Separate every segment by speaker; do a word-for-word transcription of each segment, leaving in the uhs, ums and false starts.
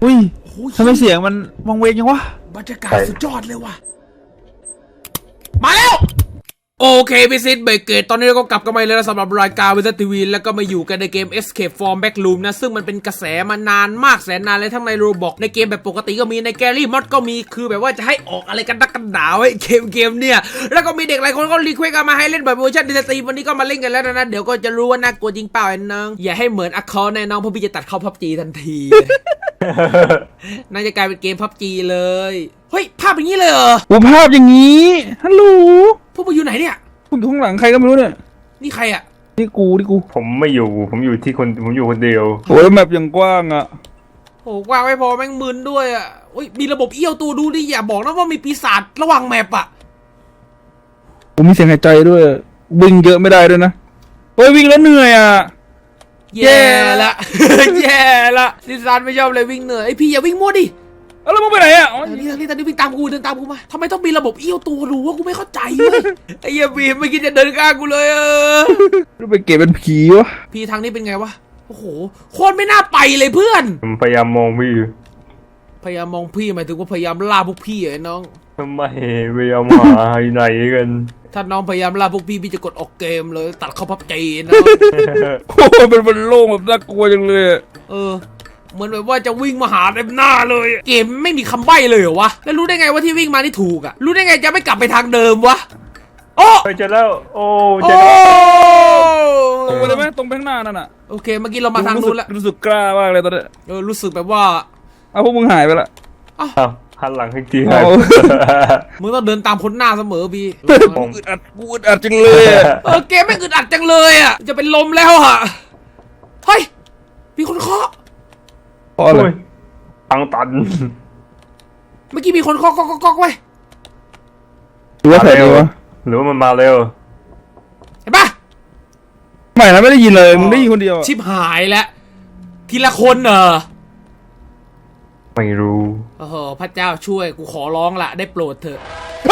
Speaker 1: อุ้ยทำไมเสียงมันวังเวงยังวะ
Speaker 2: บรรยากาศสุดยอดเลยว่ะมาแล้วโอเคพิซิตเบรกเกตตอนนี้เราก็กลับกันมาเลยนะสำหรับรายการวิทยทีวีแล้วก็มาอยู่กันในเกม Escape from Backroom นะซึ่งมันเป็นกระแสมานานมากแสนนานเลยทั้งในโรบอกในเกมแบบปกติก็มีในแกรี่มอดก็มีคือแบบว่าจะให้ออกอะไรกันดักกันดาวไอ้เกมเกมเนี่ยแล้วก็มีเด็กหลายคนก็รีเควสต์มาให้เล่นแบบเวอร์ชันดิจิตอลวันนี้ก็มาเล่นกันแล้วนะเดี๋ยวก็จะรู้ว่าน่ากลัวจริงเปล่าไอ้น้องอย่าให้เหมือนอัคคอร์แน่น้องเพราะพี่จะตัดเข้าพับจีทันทีน่าจะกลายเป็นเกมพับจีเลยเฮ้ยภาพอย่างนี้เลยเหรอ
Speaker 1: โอ้ภาพอย่างนี้ฮัลโหล
Speaker 2: พวกมึงอยู่ไหนเนี่ย
Speaker 1: ผมอยู่ข้างหลังใครก็ไม่รู้เนี่ย
Speaker 2: นี่ใครอ่ะ
Speaker 1: นี่กูนี่กู
Speaker 3: ผมไม่อยู่ผมอยู่ที่คนผมอยู่คนเดียว
Speaker 1: โอ้ยแมปยังกว้างอ่ะ
Speaker 2: โอ้กว้างไม่พอแม่งมึนด้วยอ่ะอุ้ยมีระบบเอี้ยวตัวดูดิอย่าบอกนะว่ามีปีศาจระหว่างแมปอ่ะ
Speaker 1: ผมมีเสียงหายใจด้วยวิ่งเยอะไม่ได้ด้วยนะโอ้ยวิ่งแล้วเหนื่อยอ่ะ
Speaker 2: แย่ละ แย่ละดิซานไม่ชอบเลยวิ่งเหนื่อยไอพี่อย่าวิ่งมั่วดิ
Speaker 1: แล้วมึงไปไหนอ่ะ
Speaker 2: ทางนี้ทางนี้ทางนี้วิ่งตามกูเดินตามกูมาทำไมต้องมีระบบเอี้ยวตัวรู้ว่ากูไม่เข้าใจเลยไอ้เหี้ยบีมไม่คิดจะเดินข้างกูเลยเออ
Speaker 1: รู้ไปเก็บเป็นผีวะ
Speaker 2: พี่ทางนี้เป็นไงวะโอ้โหโคตรไม่น่าไปเลยเพื่อน
Speaker 3: ผมพยายามมองพี่
Speaker 2: พยายามมองพี่หมายถึงว่าพยายามล่าพวกพี่ไอ้น้อง
Speaker 3: ทำไมพยายามหาไหนกัน
Speaker 2: ถ้าน้องพยายามล่าพวกพี่พี่จะกดออกเกมเลยตัดเข้าพับจีนะ
Speaker 1: โอ้เป็นบนโล่งแบบน่ากลัวจังเลย
Speaker 2: เออเหมือนแบบว่าจะวิ่งมาหาเต็มหน้าเลยเกมไม่มีคำใบ้เลยเหรอวะแล้วรู้ได้ไงว่าที่วิ่งมานี่ถูกอะรู้ได้ไงจะไม่กลับไปทางเดิมวะโอ้
Speaker 3: ไปเจอแล้วโอ้
Speaker 2: เจอ
Speaker 1: ตรงไปเลยไหมตรงไปข้างหน้านั่นอะ
Speaker 2: โอเคเมื่อกี้เรามาทางนู้นแล้ว
Speaker 1: รู้สึกกล้ามากเลยตอนนี้
Speaker 2: เออรู้สึกแบบว่า
Speaker 1: เอาพวกมึงหายไปละ
Speaker 3: อ้าวหันหลังให้ทีให้
Speaker 2: มึงต้องเดินตามคนหน้าเสมอพี่
Speaker 1: กูอึดอัดกูอึดอัดจังเลย
Speaker 2: เออเกมไม่อึดอัดจังเลยอะจะเป็นลมแล้วอะเฮ้ยมีคนเคาะ
Speaker 1: เพราะอะไร
Speaker 3: ตังตัน
Speaker 2: เมื่อกี้มีคนเคาะเคาะเคาะไว้
Speaker 1: หรือว่าใครวะ
Speaker 3: หรือว่ามันมาเร็ว
Speaker 2: เห็นปะ
Speaker 1: ไม่นะไม่ได้ยินเลยมึงได้ยินคนเดียว
Speaker 2: ชิบหายแล้วทีละคนเหรอ
Speaker 3: ไม่รู้
Speaker 2: โอ้โหพระเจ้าช่วยกูขอร้องละได้โปรดเถอะ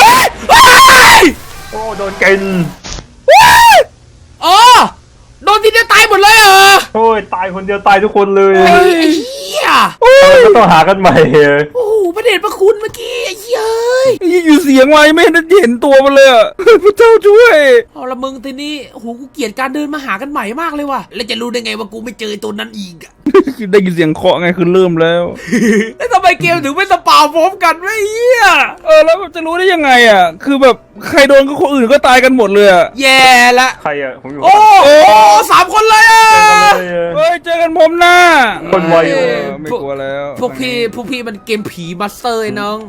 Speaker 3: โอ้โดนกิน
Speaker 2: อ๋อโดนทีเดียวตายหมดเลยเหรอ
Speaker 3: โอ้ยตายคนเดียวตายทุกคนเลย
Speaker 2: ไอ้เหี้ย
Speaker 3: ก็ต้องหากันใหม่
Speaker 2: โอ้โหประเด็นประคุณเมื่อกี้ไอ้เย้ย
Speaker 1: อยู่เสียงไว้ไม่ได้เห็นตัวมันเลยพระเจ้าช่วย
Speaker 2: เอาละมึงทีนี้โอ้โหกูเกลียดการเดินมาหากันใหม่มากเลยว่ะแล้วจะรู้ได้ไงว่ากูไม่เจอตัวนั้นอีกอะ
Speaker 1: ได้ยินเสียงเคาะไงคือเริ่มแล้ว
Speaker 2: แล้วทำไมเกมถึงไม่สปาพร้อมกันไม่เหี้ย
Speaker 1: เออแล้วจะรู้ได้ยังไงอ่ะคือแบบใครโดนก็คนอื่นก็ตายกันหมดเลยอ่ะ
Speaker 2: แย่ละ
Speaker 3: ใครอ่ะผมอยู่
Speaker 2: โอ้โหสามคนเลยอ่ะ
Speaker 1: เฮ้ยเจอกันพร้อมหน้า
Speaker 3: คนไว
Speaker 1: ไม่กลัวแล้ว
Speaker 2: พวกพี่พวกพี่มันเกมผีมาสเตอร์น้อง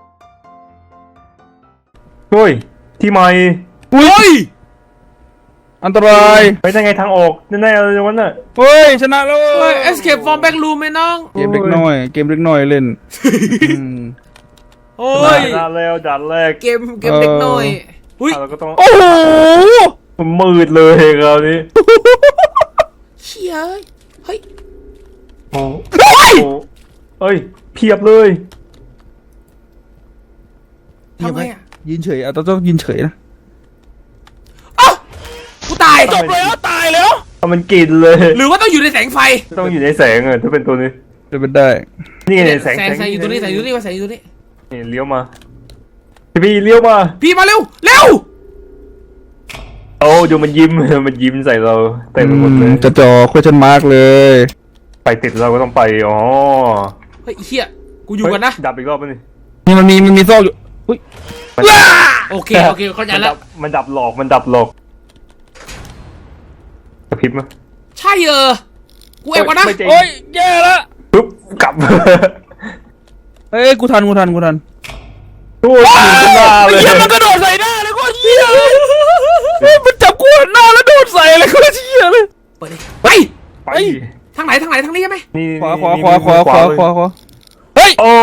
Speaker 3: เฮ้ยที่ใหม่
Speaker 2: เฮ้ย
Speaker 1: อันตราย
Speaker 3: ไปได้ไงทางออกแน่ๆเลยวันน่ะ
Speaker 1: เฮ้ยชนะแล้ว
Speaker 2: เฮ้ย Escape from Backroom ไหมน้อง
Speaker 1: เกมเล็กน้อยเกมเล็กน้อยเล่น
Speaker 2: โอ้ย
Speaker 3: ด่านแล้วด่านแรก
Speaker 2: เกมเกมเล็กน้อย
Speaker 3: อุ้ยเราก็ต้อง
Speaker 1: โอ้โห
Speaker 3: มืดเลยคราวนี้
Speaker 2: เชี่ยเฮ้ย
Speaker 3: โอ้ยเฮ้ยเพียบเลย
Speaker 2: ทำไงอ่ะ
Speaker 1: ยืนเฉยอ่ะต้องยืนเฉยนะ
Speaker 2: กูตาย
Speaker 1: จบแล้วตายแล้ว
Speaker 3: มันกินเลย
Speaker 2: หรือว่าต้องอยู่ในแสงไฟ
Speaker 3: ต้องอยู่ในแสงอะถ้าเป็นตัวนี้
Speaker 1: จะเป็นได้
Speaker 3: นี่ในแสง
Speaker 2: แสงอยู่ตัวนี้แสงอยู่ตัวนี้แสงอยู่ตัวนี้
Speaker 3: นี่เลี้ยวมาพี่เลี้ยวมา
Speaker 2: พี่มาเร็วเร็ว
Speaker 3: โอ้ดูมันยิ้มมันยิ้มใส่เราเต็มไปหมดเลย
Speaker 1: จะจ่อ question mark เลย
Speaker 3: ไปติดเราก็ต้องไปอ๋อ
Speaker 2: เฮ้ยเฮียกูอยู่กันนะ
Speaker 3: ดับอีกรอบนึง
Speaker 1: นี่มันมีมันมีโซ่อยู่อุ้ย
Speaker 2: โอเคโอเคเข้าใจแล้ว
Speaker 3: มันดับหลอกมันดับหลอกกระพริบมั้ย
Speaker 2: ใช่เออกูเอ็กวะนะ
Speaker 1: โอ้ยแย่ละ
Speaker 3: ปุ๊บกลับ
Speaker 1: เฮ้ยกูทันกูทันกูทัน
Speaker 3: โอ้ย
Speaker 1: เลยเฮียมันกระโดดใส่หน้าเลยก็เฮียมันจับกูหน้าแล้วโดดใส่เลยก็เฮียเลย
Speaker 2: ไปไป
Speaker 3: ไป
Speaker 2: ทางไหนทางไหนทางนี้ใช่ไหม
Speaker 1: ขวาขวาขวาขวาขวาขวาขวาเฮ้ย
Speaker 3: โอ้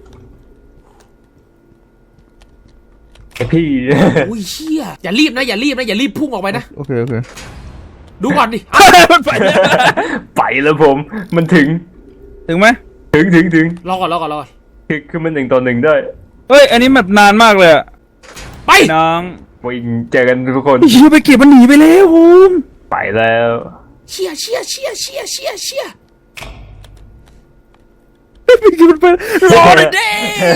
Speaker 3: พี่
Speaker 2: อุ้ยเชี่ยอย่ารีบนะอย่ารีบนะอย่ารีบพุ่งออกไปนะ
Speaker 1: โอเคโอเค
Speaker 2: ดูก่อนดิ
Speaker 1: มันไป
Speaker 3: ไปแล้วผมมันถึง
Speaker 1: ถึงไหม
Speaker 3: ถึงถึงถึง
Speaker 2: รอก่อนรอก่อนรอ
Speaker 3: คือคือมันหนึ่งต่อหนึ่งได้
Speaker 1: เฮ้ยอันนี้แบบนานมากเลยอะ
Speaker 2: ไป
Speaker 1: น้อง
Speaker 3: วิ่งเจอกันทุกคน
Speaker 1: เฮียไปเก็บมันหนีไปแล้วผม
Speaker 3: ไปแล้ว
Speaker 2: เชี่ยเชี่ยเชี่ยเชี่ยเชี่ยเชี่ย
Speaker 1: ไปเกินมันไปรอเลยเด้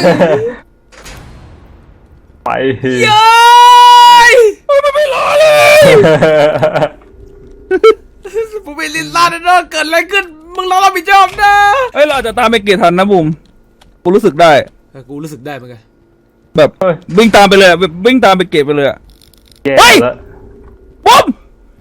Speaker 3: ไป
Speaker 2: เย้ย
Speaker 1: มันไม่รอเลย
Speaker 2: ผมเป็นลินลาเนอะเกิดอะไรขึ้นมึงรอรับผิดชอบนะ
Speaker 1: เฮ้ยเราจะตามไปเกตทันนะบุ๋มกูรู้สึกได้
Speaker 2: กูรู้สึกได้เหมือนกัน
Speaker 1: แบบวิ่งตามไปเลยแบบวิ่งตามไปเกตไปเลยอะ
Speaker 3: แย่
Speaker 1: เฮ้ย
Speaker 3: แล้ว
Speaker 1: บุ๋ม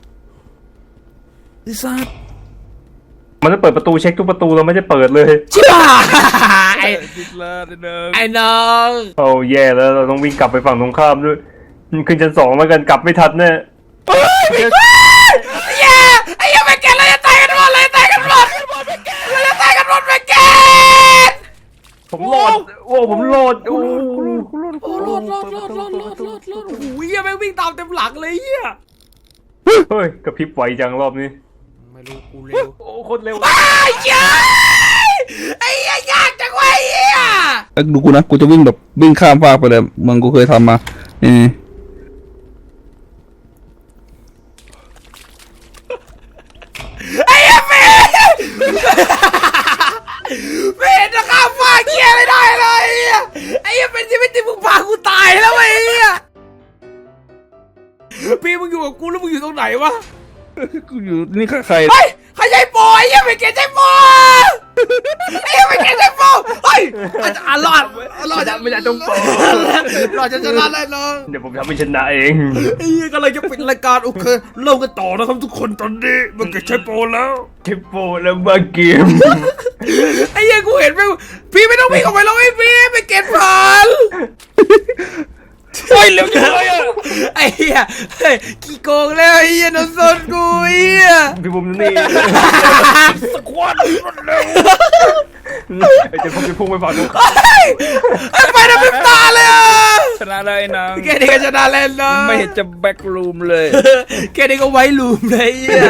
Speaker 1: ไอ้สัส
Speaker 3: มันจะเปิดประตูเช็คทุกประตูเราไม่ได้เปิดเลย
Speaker 2: ชิบหาย
Speaker 1: ติดแล้วนิดนึง
Speaker 2: ไอ้น้อง
Speaker 3: โอ้แย่แล้วเราต้องวิ่งกลับไปฝั่งตรงข้ามด้วยขึ้นชั้นสองแล้วกันกลับไม่ทันแน่
Speaker 2: ไอ้เหี้ยไอ้เหี้ยไปแกนเราจะตายกันหมดเลยตายกันหมดเราจะตายกันหมดไปแกน
Speaker 3: ผมโหลดโอ้ผมโหลดโอ้
Speaker 2: โอ้รอดรอดรอดรอดรอดรอดรอดโอ้โหเหี้ยแม่งวิ่งตามเต็มหลังเลยเหี้ย
Speaker 3: เฮ้ยกระพริบไวจังรอบนี้
Speaker 2: ไม่รู้กูเร็ว
Speaker 3: โอ้คนเร็ว
Speaker 2: ไอ้เหี้ยไอ้เหี้ยยากจังวะไอ้เหี้ย
Speaker 1: เอ้ยดูกูนะกูจะวิ่งแบบวิ่งข้ามฟากไปเลยมึงกูเคยทำมานี่
Speaker 2: ไอ้เหี้ยเมย์เมย์จะข้ามฟ้าเหี้ยไม่ได้เลยไอ้เหี้ยไอ้เหี้ยเป็นชีวิตที่มึงพากูตายแล้วไอ้เหี้ยพี่มึงอยู่กับกูแล้วมึงอยู่ตรงไหนวะ
Speaker 1: กูอยู่นี่ใคร
Speaker 2: เฮ้ยใครใช้โปรไอ้เหี้ยไปเกตใช้โปรไอ้เหี้ยไปเกตใช้โปรเฮ้ยอ่ะรอดรอดจะ
Speaker 3: ไม่ได้ต้องโปร
Speaker 2: รอดจะชนะแน่นอน
Speaker 3: เดี๋ยวผมทำให้ชนะเอง
Speaker 2: ไอ้เหี้ยกำลังจะปิดรายการโอเคเริ่มกันต่อนะครับทุกคนตอนนี้มันเกตใช้โปรแล้ว
Speaker 3: เทปโปรแล้วมาเกม
Speaker 2: ไอ้เหี้ยกูเห็นไหมพี่ไม่ต้องวิ่งออกไปแล้วไอ้พี่ไปเกตผ่าน
Speaker 1: เฮ้ยเร็วจังเลยอ่ะ
Speaker 2: ไอ้เหี้ยเฮ้ยกี่โกงแล้วไอ้เหี้ยโดนโซนกูไอ้เหี้ย
Speaker 3: พี่บุ๋มนี่
Speaker 1: สควอตรวดเร็ว
Speaker 3: ไอ้เจ้าผมจะพุ่งไปฝั่งตรงข้าม
Speaker 2: เฮ้ยไอ้ไปนะพิมตาเลยอ่ะ
Speaker 1: ชนะได้นาง
Speaker 2: แค่นี้ก็ชนะแล้วนะ
Speaker 1: ไม่เห็นจะแบ็กรูมเลย
Speaker 2: แค่นี้ก็ไว้ลูมเลยไอ้เหี้ย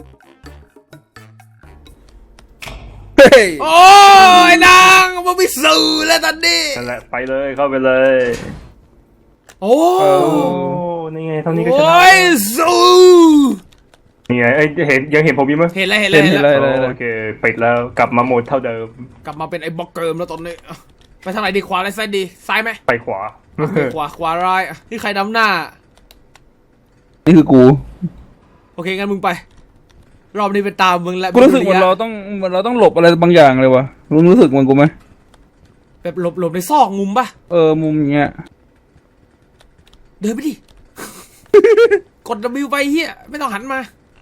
Speaker 1: เฮ้ย
Speaker 2: โอ้ยนางมันไม่สื่อแล้วตอนนี้
Speaker 3: นั่นแหละไปเลยเข้าไปเลย
Speaker 2: โอ้
Speaker 3: โอ้นี่ไงเท่านี้ก็ชนะ
Speaker 2: โอ้ยสู้
Speaker 3: นี่ไงเอ้ยเห็นยังเห็นผมอยู่มั้ย
Speaker 2: เห็นแล้วเห็นแล้วเห็นแล้ว
Speaker 3: โอเคปิดแล้วกลับมาโหมดเท่าเดิม
Speaker 2: กลับมาเป็นไอ้บล็อกเกิร์มแล้วตอนนี้ไปทางไหนดีขวาหรือซ้ายดีซ้ายไหม
Speaker 3: ไปขวา
Speaker 2: ขวาขวาร้ายนี่ใครนำหน้า
Speaker 1: นี่คือกู
Speaker 2: โอเคงั้นมึงไป รอบนี้เป็นตามมึงแล้ว
Speaker 1: กูรู้สึกเหมือนเราต้องเหมือนเราต้องหลบอะไรบางอย่างเลยวะรู้รู้สึกเหมือนกูไหม
Speaker 2: แบบหลบหลบในซอกมุมปะ
Speaker 1: เออมุมอย่างเงี้ย
Speaker 2: เดินไปดิ กด W ไปเฮียไม่ต้องหันมา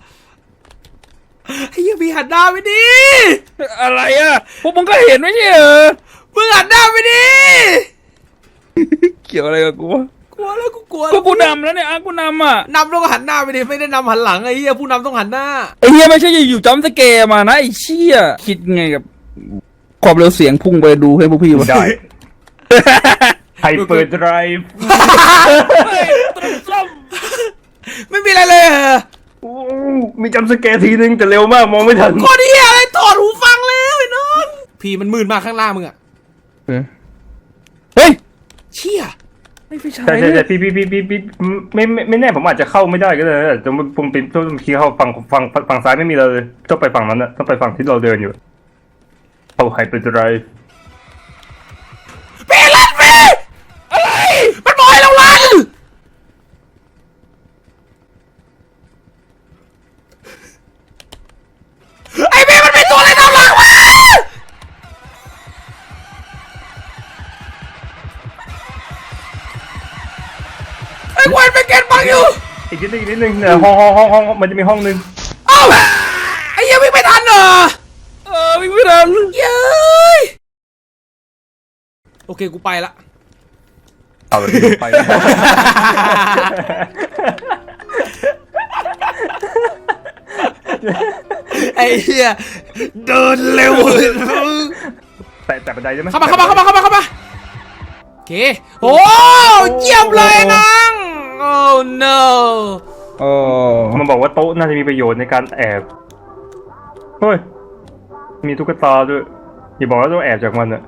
Speaker 2: เฮียพี่หันหน้าไปดิ
Speaker 1: อะไรอ่ะพวกมึงก็เห็นไม่ใช่เหรอ
Speaker 2: มึงหันหน้าไปดิ
Speaker 1: เกี่ยวอะไรกับกูวะ
Speaker 2: กลัวแล้วกูกลัว
Speaker 1: ก็กูนำแล้วเนี่ยอ่ะกูนำอ่ะ
Speaker 2: นำแล้วก็หันหน้าไปดิไม่ได้นำหันหลังไอ้เฮียผู้นำต้องหันหน้า
Speaker 1: ไอ้เฮียไม่ใช่อยู่ๆจำสเกร์มานะไอ้เชี่ยคิดไงกับความเร็วเสียงพุ่งไปดูให้พวกพี่มา
Speaker 3: ได้ ไฮเปอร์ไดรฟ์
Speaker 2: ไม่มีอะไรเลยเหรอ
Speaker 3: โอ้มีจำสแกร์ทีนึงแต่เร็วมากมองไม่ทัน
Speaker 2: โคตรเฮียอะไรถอดหูฟังแล้วไอ้น้องพี่มันมืดมากข้างล่างมึงอะ
Speaker 1: เฮ้ย
Speaker 2: เชี่ย
Speaker 1: ไม่ไฟฉาย
Speaker 3: ใช่
Speaker 1: เล
Speaker 3: ใช่ใช่
Speaker 1: ย
Speaker 3: พี่พี่พี่พี่พี่ไม่ไม่ไม่แน่ผมอาจจะเข้าไม่ได้ก็ได้นะแต่ผมเป็นต้องคีย์เข้าฝั่งฝั่งฝั่งซ้ายไม่มีเลยต้องไปฝั่งนั้นนะต้องไปฝั่งที่เราเดินอยู่เอาไฮเปอร์ไดรฟ์
Speaker 2: เปลันเปอะไรมันบอกให้เราลันไอ้เมย์มันเป็นตัวอะไรทำหลังวะไอ้ควันไปเก็ตบังอยู่
Speaker 3: อีกนิดนึงอีกนิดนึงเนี่ยห้องห้องห้องห้องมันจะมีห้องนึง
Speaker 2: เอ้าไอ้เหี้ยังวิ่งไม่ทันเหรอ
Speaker 1: เออวิ่งไม่ทัน
Speaker 2: เย้ยโอเคกูไปละ
Speaker 3: เอาเลยไป
Speaker 2: ไอ้เหี้ยเดินเร็วเลย
Speaker 3: แต่แต่บันไดใช่ไหม
Speaker 2: เข้ามาเข้ามาเข้ามาเข้ามาเข้ามาโอเคโอ้เยี่ยมเลยนังโอ้ no
Speaker 1: อ๋อ
Speaker 3: มันบอกว่าโต๊ะน่าจะมีประโยชน์ในการแอบเฮ้ยมีตุ๊กตาด้วยอย่าบอกว่าต้องแอบจากมันอะ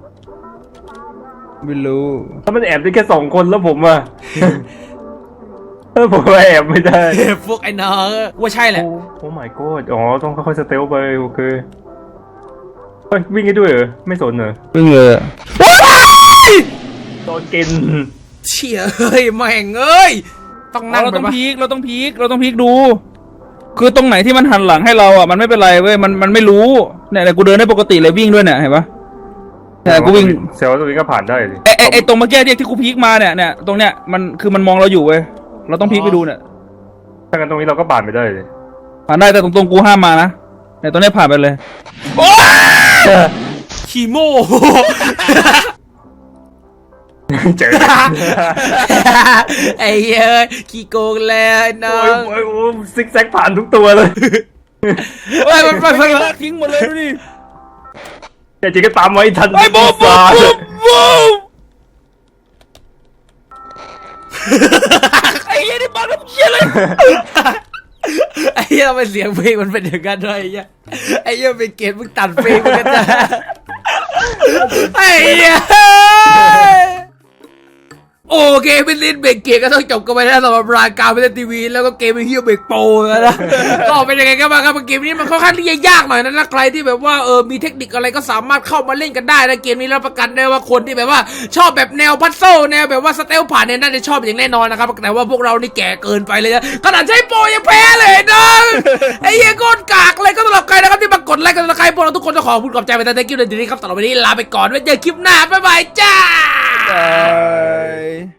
Speaker 1: ไม่รู้
Speaker 3: ถ้ามันแอบได้แค่สองคนแล้วผมอะ เออผมแอบไม่ได้
Speaker 2: พวกไอ้น้องว่าใช่แหละ
Speaker 3: โอ้ my god อ๋อต้องค่อยๆสเตลไปโอเคเฮ้ยวิ่งให้ด้วยเหรอไม่สนเหรอ
Speaker 1: วิ่งเลยอะ
Speaker 3: โดนกิน
Speaker 2: เชี่ยเอ้ยแม่งเอ้ยต้องนั่ง
Speaker 1: เรา
Speaker 2: แบ
Speaker 1: ต้อบ ง
Speaker 2: ว่า
Speaker 1: พีคเราต้องพีคเราต้องพีคดู คือตรงไหนที่มันหันหลังให้เราอ่ะมันไม่เป็นไรเว้ยมันมันไม่รู้เนี่ยแต่กูเดินได้ปกติเลยวิ่งด้วยเนี่ยเห็นปะแต่กูวิ่ง
Speaker 3: เซลล์ตัวนี้ก็ผ่านได้สิ
Speaker 1: ไอไอไอตรงเมื่อกี้เนี่ยที่กูพีคมาเนี่ยเนี่ยตรงเนี้ยมันคือมันมองเราอยู่เว้ยเราต้องพีคไปดูเนี่ย
Speaker 3: ถ้างั้นตรงนี้เราก็ผ่านไปได้เลย
Speaker 1: ผ่านได้แต่ตรงตรงๆกูห้ามมานะเนี่ยตรงเนี้ยผ่านไปเลย
Speaker 2: คีโม
Speaker 3: เจอ
Speaker 2: ไอ้เอ้ยขี้โกงแล้วไอ้น้อ
Speaker 3: โอ้ย
Speaker 2: ง
Speaker 3: โอ้ยโอ้ยซิกแซกผ่านทุกตัวเลย
Speaker 2: เฮ้ยมันมัน
Speaker 1: ไม่
Speaker 2: มัน
Speaker 1: ลากทิ้งหมดเลยดูดิ
Speaker 3: แต่จริงก็ตามไว้ทัน
Speaker 1: ไอ้บูมบูมบูมบูมไอ้เหี้ยนี่บ้าน้ำเหี้ยเลย
Speaker 2: ไอ้เหี้ยทำไมเสียงเพลงมันเป็นอย่างนั้นด้วยไอ้เหี้ยไอ้เหี้ยเป็นเกตมึงตัดเพลงมึงกันจ้ะไอ้เหี้ยโอเคเป็นลินเบรกเกตก็ต้องจบกันไปแล้วสำหรับรายการเป็นทีวีแล้วก็เกมเป็นเฮียเบรกโปรแล้วนะก็เป็นยังไงกันบ้างครับเกมนี้มันค่อนข้างที่จะยากหน่อยนะนะใครที่แบบว่าเออมีเทคนิคอะไรก็สามารถเข้ามาเล่นกันได้นะเกมนี้รับประกันได้ว่าคนที่แบบว่าชอบแบบแนวพัซโซแนวแบบว่าสเตลผ่านเนี่ยน่าจะชอบอย่างแน่นอนนะครับแต่ว่าพวกเรานี่แก่เกินไปเลยนะขนาดใช้โปรยังแพ้เลยนะไอ้เหี้ยโคตรกากเลยก็สำหรับใครนะครับที่มากดไลค์กันนะใครพวกเราทุกคนจะขอพูดขอบใจไปแต่ thank you ในทีนี้ครับสำหรับวันนี้ลาไปก่อนไว้เจอคลิปหน้าบ๊ายบายจ้า